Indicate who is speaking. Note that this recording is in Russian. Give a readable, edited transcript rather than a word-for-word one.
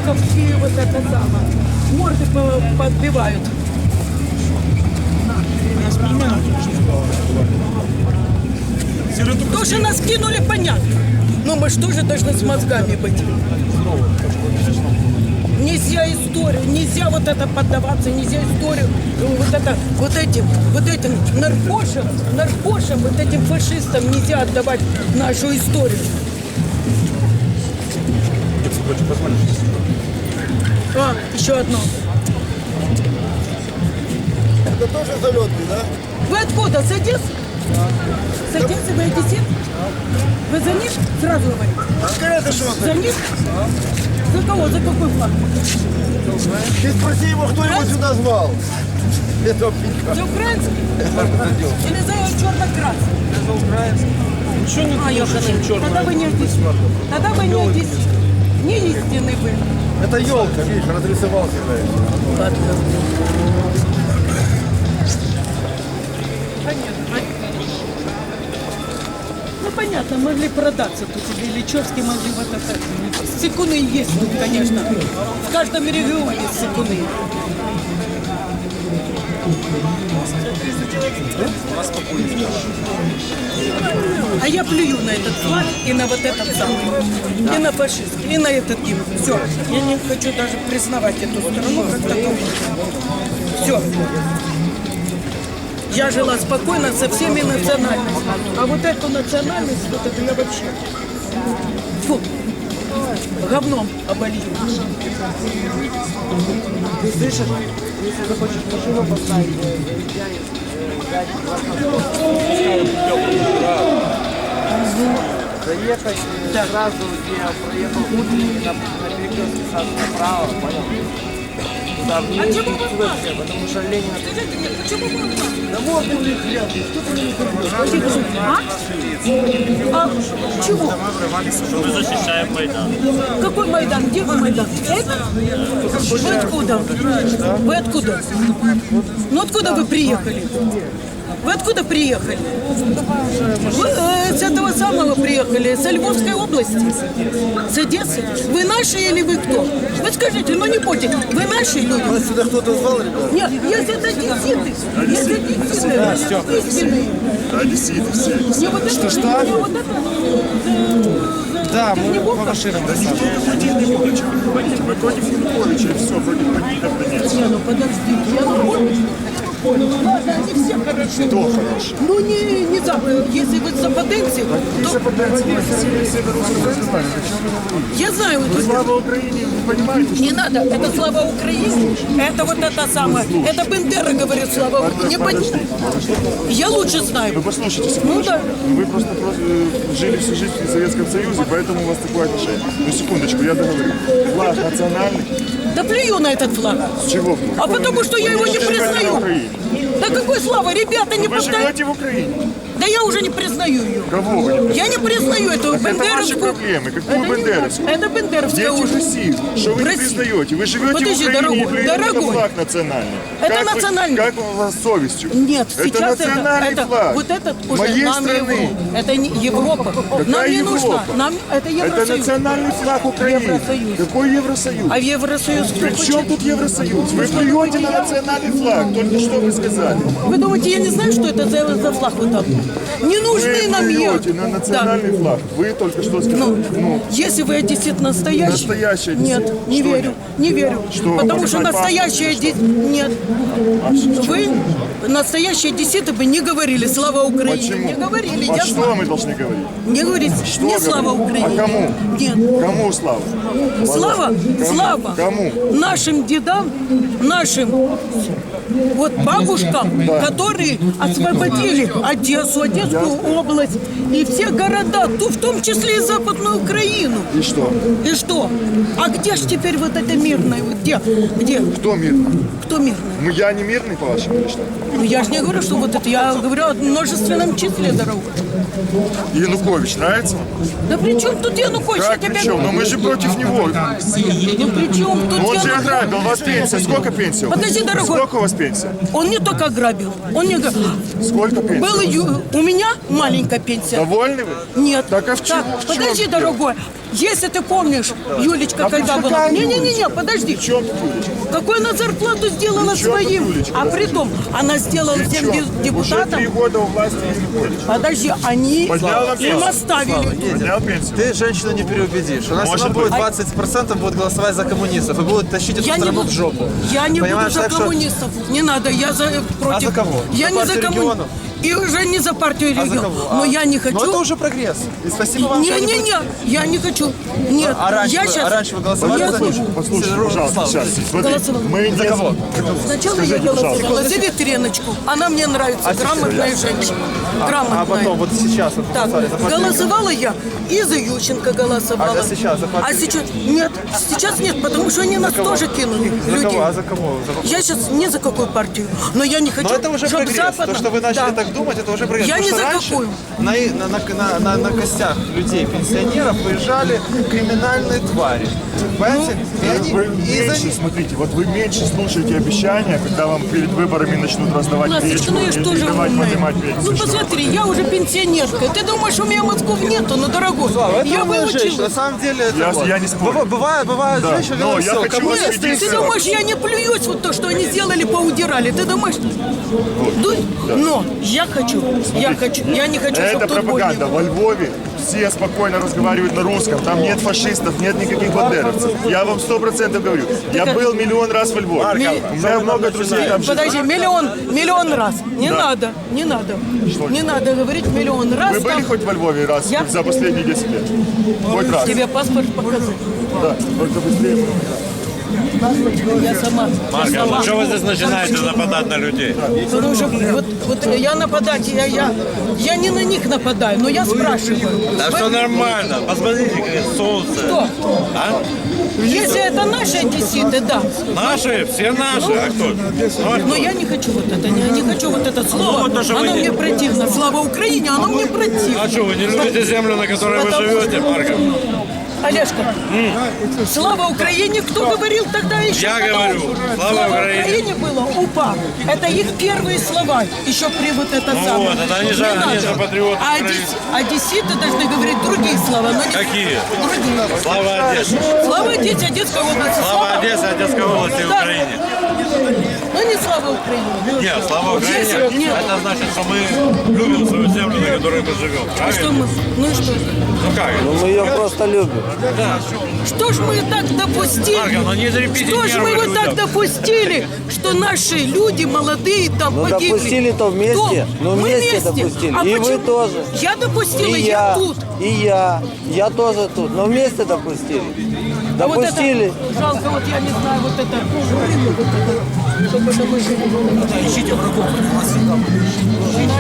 Speaker 1: банковские вот это самое. Морды подбивают. То, что нас кинули, понятно. Но мы же тоже должны с мозгами быть. Нельзя историю, нельзя вот это поддаваться, нельзя историю вот этим наркошам, вот этим фашистам нельзя отдавать нашу историю. Еще одно.
Speaker 2: Это тоже залетный, да?
Speaker 1: Вы откуда? С Одессы? С Одессы вы одессит? Вы за них сразу говорите?
Speaker 2: Это что?
Speaker 1: За них? За кого? За какой флаг?
Speaker 2: Ты спроси его, кто его сюда звал. Это
Speaker 1: За украинский? Или за черно-красный?
Speaker 3: За украинский. Ничего не
Speaker 1: Ёханый.
Speaker 3: хуже, чем черный.
Speaker 1: Тогда вы не одессит. Тогда вы не одессит. Не истинный вы.
Speaker 2: Это елка, видишь, разрисовался.
Speaker 1: Ладно. Понятно. Ну понятно, могли продаться тут, или Ильичевский могли вот это. Сыкуны есть тут, конечно. В каждом регионе сыкуны. А я плюю на этот флаг и на вот этот самый, и на фашизм, и на этот гимн. Все. Я не хочу даже признавать эту страну как таковую. Все. Я жила спокойно со всеми национальностями. А вот эту национальность, вот это я вообще... Фу. Говном оболью.
Speaker 3: Ты слышишь? Если захочешь машину поставить, заехать сразу, где я проехал утренний, на перекрестке сразу направо, понял? Туда вниз,
Speaker 1: А чего вы
Speaker 3: туда все, потому что Ленина...
Speaker 1: Скажите мне, почему вы
Speaker 2: Да вот у них рядом, что ты не ходишь?
Speaker 1: А? Чего?
Speaker 4: Мы защищаем Майдан.
Speaker 1: Какой Майдан? Где вы Майдан? Это? Вы откуда? Вы откуда? Ну откуда вы приехали? Вы откуда приехали? Вы с этого самого приехали, с Львовской области, с Одессы. Вы наши или вы кто? Вы скажите, ну не будьте, вы наши люди?
Speaker 2: Вас сюда кто-то звал, ребят?
Speaker 1: Нет, если это одесситы, если одесситы, истинные.
Speaker 4: Одесситы все.
Speaker 1: Мне вот это,
Speaker 3: Что?
Speaker 1: мне вот это...
Speaker 3: Да, мы по машинам
Speaker 4: Януковича. Мы против Януковича, и все, против бандитов нет.
Speaker 1: Не, ну подождите, я ладно, они все хороши.
Speaker 4: Кто хороший?
Speaker 1: Ну не запад, если вы западенцы, то... Я знаю, это
Speaker 4: Слава Украине, вы понимаете, что
Speaker 1: не надо, это слава Украине, это вот это самое, это Бендера говорит слава Украине, не понимаю. Я лучше знаю.
Speaker 4: вы послушайте,
Speaker 1: Ну да.
Speaker 4: вы просто жили всю жизнь в Советском Союзе, поэтому у вас такое отношение. Ну секундочку, я договорю. Флаг национальный.
Speaker 1: Да плюю на этот флаг.
Speaker 4: С чего?
Speaker 1: А потому что я его не признаю. Да какой слава, ребята, не
Speaker 4: Вы
Speaker 1: повторяйте.
Speaker 4: живете в Украине.
Speaker 1: Да я уже не признаю ее.
Speaker 4: Кого вы не признали?
Speaker 1: Я не признаю эту
Speaker 4: Так это ваши
Speaker 1: бендеровскую.
Speaker 4: проблемы. Какую
Speaker 1: Это не
Speaker 4: бендеровскую?
Speaker 1: наша, это бендеровская
Speaker 4: Дети
Speaker 1: уже.
Speaker 4: России. Что вы
Speaker 1: В
Speaker 4: не
Speaker 1: России.
Speaker 4: признаете? Вы живете
Speaker 1: Подожди,
Speaker 4: в Украине
Speaker 1: дорогой,
Speaker 4: и плюете на
Speaker 1: дорогой.
Speaker 4: флаг национальный.
Speaker 1: Это
Speaker 4: Как вы-
Speaker 1: национальный.
Speaker 4: Как у вас с совестью?
Speaker 1: Нет,
Speaker 4: это
Speaker 1: сейчас
Speaker 4: национальный
Speaker 1: это
Speaker 4: флаг.
Speaker 1: вот этот уже
Speaker 4: Моей
Speaker 1: нам
Speaker 4: страны.
Speaker 1: Европа. Это не Европа. Нам не
Speaker 4: Европа?
Speaker 1: нужно. Нам это
Speaker 4: Это
Speaker 1: Евросоюз.
Speaker 4: национальный флаг Украины.
Speaker 1: Евросоюз.
Speaker 4: Какой Евросоюз?
Speaker 1: А в Евросоюз кто
Speaker 4: При чем
Speaker 1: хочет?
Speaker 4: тут Евросоюз? Вы плюете на национальный флаг. Только что вы сказали.
Speaker 1: Вы думаете, я не знаю, что это за флаг вот там? Не нужны
Speaker 4: Вы
Speaker 1: нам
Speaker 4: плюете на национальный
Speaker 1: Да.
Speaker 4: флаг. Вы только что сказали.
Speaker 1: Ну, если вы одессит настоящий,
Speaker 4: Настоящий одессит.
Speaker 1: нет, не
Speaker 4: Что
Speaker 1: верю,
Speaker 4: нет?
Speaker 1: не верю,
Speaker 4: Что,
Speaker 1: потому что
Speaker 4: показать
Speaker 1: настоящий
Speaker 4: паспорт или
Speaker 1: одессит, нет, вы настоящие одесситы бы не говорили слава Украине,
Speaker 4: Почему?
Speaker 1: не говорили,
Speaker 4: А
Speaker 1: я
Speaker 4: что
Speaker 1: знаю,
Speaker 4: мы должны говорить?
Speaker 1: не говорите,
Speaker 4: Что
Speaker 1: не
Speaker 4: говорить?
Speaker 1: слава Украине,
Speaker 4: А кому?
Speaker 1: нет.
Speaker 4: Кому слава?
Speaker 1: Слава,
Speaker 4: Кому?
Speaker 1: слава
Speaker 4: Кому?
Speaker 1: нашим дедам, нашим вот бабушкам, которые освободили Одессу, Одесскую область и все города, в том числе и Западную Украину.
Speaker 4: И что?
Speaker 1: И что? А где ж теперь вот это мирное? Вот где? Где?
Speaker 4: Кто мирный?
Speaker 1: Кто мирный?
Speaker 4: Ну я не мирный, по-вашему, или что?
Speaker 1: Ну, я же не говорю, что вот это. Я говорю о множественном числе дорог.
Speaker 4: Янукович нравится вам?
Speaker 1: Да при чем тут Янукович?
Speaker 4: Как
Speaker 1: Я
Speaker 4: при
Speaker 1: тебя
Speaker 4: чем? Но мы же против него.
Speaker 1: Ну при чем тут
Speaker 4: Он же
Speaker 1: Янукович?
Speaker 4: ограбил. У вас пенсия. Сколько пенсия?
Speaker 1: Подожди, дорогой.
Speaker 4: Сколько у вас пенсия?
Speaker 1: Он не только грабил, он не грабил.
Speaker 4: Сколько пенсия?
Speaker 1: У меня маленькая пенсия.
Speaker 4: Довольны вы?
Speaker 1: Нет.
Speaker 4: Так а в чем?
Speaker 1: Подожди, дорогой. Если ты помнишь, Юлечка,
Speaker 4: А
Speaker 1: когда
Speaker 4: при чем
Speaker 1: была...
Speaker 4: какая
Speaker 1: Не-не-не, подожди.
Speaker 4: В чем тут Юлечка?
Speaker 1: Какую она зарплату сделала
Speaker 4: При чем тут
Speaker 1: своим?
Speaker 4: Юлечка?
Speaker 1: А при том, она сделала
Speaker 4: При
Speaker 1: всем
Speaker 4: чем? Уже 3
Speaker 1: депутатам.
Speaker 4: года у власти Янукович.
Speaker 1: Подожди, они
Speaker 4: Поднял вам
Speaker 1: им
Speaker 4: пенсию.
Speaker 1: оставили.
Speaker 4: Поднял пенсию.
Speaker 2: Ты женщину не переубедишь. У нас
Speaker 4: Может
Speaker 2: все будет
Speaker 4: быть.
Speaker 2: 20% будут голосовать за коммунистов и будут тащить эту
Speaker 1: Я не
Speaker 2: страну
Speaker 1: буду,
Speaker 2: в жопу.
Speaker 1: я не буду
Speaker 2: Понимаешь,
Speaker 1: за
Speaker 2: так что-
Speaker 1: коммунистов. Не надо, я против.
Speaker 2: за кого?
Speaker 1: Я
Speaker 2: За
Speaker 1: не за
Speaker 2: партию
Speaker 1: коммунистов.
Speaker 2: регионов?
Speaker 1: И уже не за партию
Speaker 2: А за
Speaker 1: регионов.
Speaker 2: кого?
Speaker 1: Но я не хочу.
Speaker 2: Но это уже прогресс. И спасибо вам, что они будут-
Speaker 1: Не-не-не, я не хочу. Нет,
Speaker 2: А раньше,
Speaker 1: я
Speaker 2: вы,
Speaker 1: сейчас...
Speaker 2: а раньше вы голосовали
Speaker 1: Нет.
Speaker 2: за них?
Speaker 4: Послушайте, пожалуйста,
Speaker 2: Слава,
Speaker 4: сейчас. Смотри,
Speaker 1: Голосовала.
Speaker 4: мы
Speaker 2: За
Speaker 4: не...
Speaker 2: кого?
Speaker 1: Сначала
Speaker 4: Скажите,
Speaker 1: я голосовала
Speaker 4: пожалуйста.
Speaker 1: за Ветреночку. Она мне нравится, грамотная женщина. Грамотная.
Speaker 2: А потом, вот сейчас, вот,
Speaker 1: Так,
Speaker 2: голосовали за партию
Speaker 1: голосовала я и за Ющенко голосовала.
Speaker 2: А за сейчас, за партию?
Speaker 1: А сейчас нет, сейчас нет, потому что они нас тоже кинули,
Speaker 2: За
Speaker 1: людей.
Speaker 2: кого? А за кого?
Speaker 1: Я сейчас не за какую партию, но я не хочу,
Speaker 2: Но это уже
Speaker 1: чтоб
Speaker 2: прогресс.
Speaker 1: западно-
Speaker 2: То, что вы начали
Speaker 1: Да.
Speaker 2: так думать, это уже прогресс.
Speaker 1: Я
Speaker 2: Потому
Speaker 1: не
Speaker 2: что
Speaker 1: за
Speaker 2: раньше
Speaker 1: какую.
Speaker 2: на костях людей, пенсионеров, выезжали криминальные твари. Понимаете? И они-
Speaker 4: Вы
Speaker 2: и за
Speaker 4: меньше,
Speaker 2: них-
Speaker 4: смотрите, вот вы меньше слушаете обещания, когда вам перед выборами начнут раздавать
Speaker 1: Ласточка,
Speaker 4: печку
Speaker 1: ну я
Speaker 4: и
Speaker 1: ж тоже
Speaker 4: давать
Speaker 1: умная.
Speaker 4: поднимать пенсию.
Speaker 1: Ну
Speaker 4: Что вы
Speaker 1: посмотри, я уже пенсионерка. Ты думаешь, у меня мозгов нету? Ну, дорогой,
Speaker 2: Слава, это
Speaker 1: я
Speaker 2: умная женщина. На
Speaker 1: выучилась.
Speaker 2: самом деле, это
Speaker 4: Я не спорю.
Speaker 2: Бывают
Speaker 4: Да,
Speaker 2: женщины,
Speaker 4: но
Speaker 2: ну,
Speaker 4: я
Speaker 2: всё,
Speaker 4: хочу
Speaker 2: коммунисты
Speaker 4: вас
Speaker 2: и
Speaker 4: убедить,
Speaker 1: Ты
Speaker 2: всё.
Speaker 1: думаешь, я не плююсь вот то, что они сделали, поудирали? Ты думаешь? Но я не хочу,
Speaker 4: Это
Speaker 1: чтобы тут
Speaker 4: пропаганда.
Speaker 1: больно.
Speaker 4: Во Львове все спокойно разговаривают на русском. Там нет фашистов, нет никаких бандеровцев. Я вам 100% говорю. Я был миллион раз во Львове. У меня много друзей там живет.
Speaker 1: Подожди, миллион раз. Не надо. Не надо говорить миллион раз.
Speaker 4: Вы были
Speaker 1: там.
Speaker 4: хоть во Львове раз
Speaker 1: Я-
Speaker 4: за последние 10 лет? Хоть раз?
Speaker 1: Тебе паспорт показать.
Speaker 4: Да, только быстрее.
Speaker 1: Я сама.
Speaker 5: Марка, ну что вы здесь начинаете нападать на людей?
Speaker 1: Потому что вот я нападать, я не на них нападаю, но я спрашиваю.
Speaker 5: Да все нормально. Посмотрите, какое солнце.
Speaker 1: Кто?
Speaker 5: А?
Speaker 1: Если это наши одесситы, да.
Speaker 5: Наши, все наши. А кто? Ну, а
Speaker 1: Но
Speaker 5: кто?
Speaker 1: я не хочу вот это, не хочу вот это слово.
Speaker 5: вот то, что вы
Speaker 1: Оно
Speaker 5: не-
Speaker 1: мне противно. Слава Украине, оно мне противно.
Speaker 5: А что, вы не любите землю, на которой вы живете, Марка?
Speaker 1: Олежка, слава Украине, кто говорил тогда еще?
Speaker 5: Я
Speaker 1: когда
Speaker 5: говорю, слава Украине.
Speaker 1: Украине было УПА. Это их первые слова, еще при вот это
Speaker 5: Ну
Speaker 1: самое.
Speaker 5: вот, это они же-
Speaker 1: Не
Speaker 5: они
Speaker 1: надо.
Speaker 5: же патриоты
Speaker 1: А
Speaker 5: Украины.
Speaker 1: одесситы должны говорить другие слова. Но не
Speaker 5: Какие?
Speaker 1: Другие.
Speaker 5: Слава Одессе.
Speaker 1: Слава Одессе, Одесской области.
Speaker 5: Слава Одессе, Одесской области и
Speaker 1: Да.
Speaker 5: Украине.
Speaker 1: Но не слава Украине.
Speaker 5: Нет, слава Украине.
Speaker 1: Нет.
Speaker 5: Это значит, что мы любим свою землю, на которой мы живем.
Speaker 1: А что
Speaker 5: Правильно?
Speaker 1: мы? Ну и что?
Speaker 5: Ну как?
Speaker 3: Мы ее просто любим.
Speaker 1: Что ж мы так допустили?
Speaker 5: Марка, ну не трепите
Speaker 1: Что ж мы
Speaker 5: нервы
Speaker 1: вот так
Speaker 5: людям.
Speaker 1: допустили, что наши люди молодые там
Speaker 3: Ну,
Speaker 1: погибли?
Speaker 3: допустили-то вместе.
Speaker 1: Кто?
Speaker 3: Ну,
Speaker 1: Мы
Speaker 3: вместе допустили.
Speaker 1: А
Speaker 3: И вы
Speaker 1: почему?
Speaker 3: тоже.
Speaker 1: Я допустила,
Speaker 3: И
Speaker 1: я тут.
Speaker 3: и я. Я тоже тут. Но вместе допустили.
Speaker 1: А вот
Speaker 3: Допустили.
Speaker 1: это, жалко, вот я не знаю, вот это. Чтобы это мы- Ищите врагов,